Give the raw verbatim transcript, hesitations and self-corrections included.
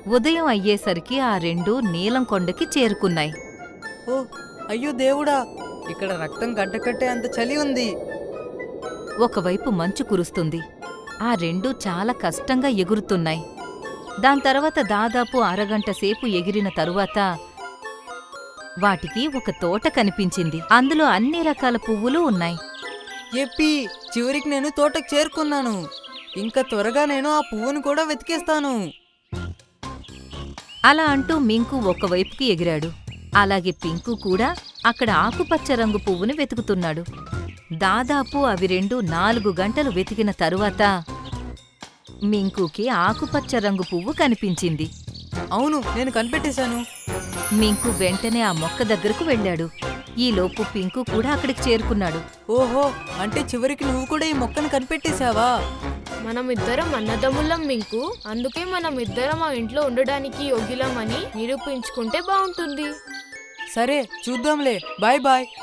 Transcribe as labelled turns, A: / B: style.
A: ఉదయం అయ్యేసరికి ఆ రెండూ నీలం కొండకి చేరుకున్నాయి.
B: ఓ అయ్యో దేవుడా, ఇక్కడ రక్తం గడ్డకట్టే అంత చలి ఉంది.
A: ఒకవైపు మంచు కురుస్తుంది. ఆ రెండూ చాలా కష్టంగా ఎగురుతున్నాయి. దాంతర్వాత దాదాపు అరగంట సేపు ఎగిరిన తరువాత వాటికి ఒక తోట కనిపించింది. అందులో అన్ని రకాల పువ్వులు ఉన్నాయి.
B: ఎప్పి, చివరికి నేను తోటకు చేరుకున్నాను. ఇంకా త్వరగా నేను ఆ పువ్వును కూడా వెతికేస్తాను.
A: అలా అంటూ మింకు ఒకవైపుకి ఎగిరాడు. అలాగే పింకు కూడా అక్కడ ఆకుపచ్చ రంగు పువ్వుని వెతుకుతున్నాడు. దాదాపు అవి రెండు నాలుగు గంటలు వెతికిన తరువాత మింకుకి ఆకుపచ్చ రంగు పువ్వు కనిపించింది.
B: అవును, నేను కనిపెట్టేశాను.
A: మింకు వెంటనే ఆ మొక్క దగ్గరకు వెళ్ళాడు. ఈలోపు పింకు కూడా అక్కడికి చేరుకున్నాడు.
B: ఓహో, అంటే చివరికి నువ్వు కూడా ఈ మొక్కను కనిపెట్టేశావా?
C: మనం ఇద్దరం అన్నదమ్ములం మింకు, అందుకే మనం ఇద్దరం ఆ ఇంట్లో ఉండడానికి యోగ్యులమని నిరూపించుకుంటే బాగుంటుంది.
B: సరే చూద్దాంలే, బాయ్ బాయ్.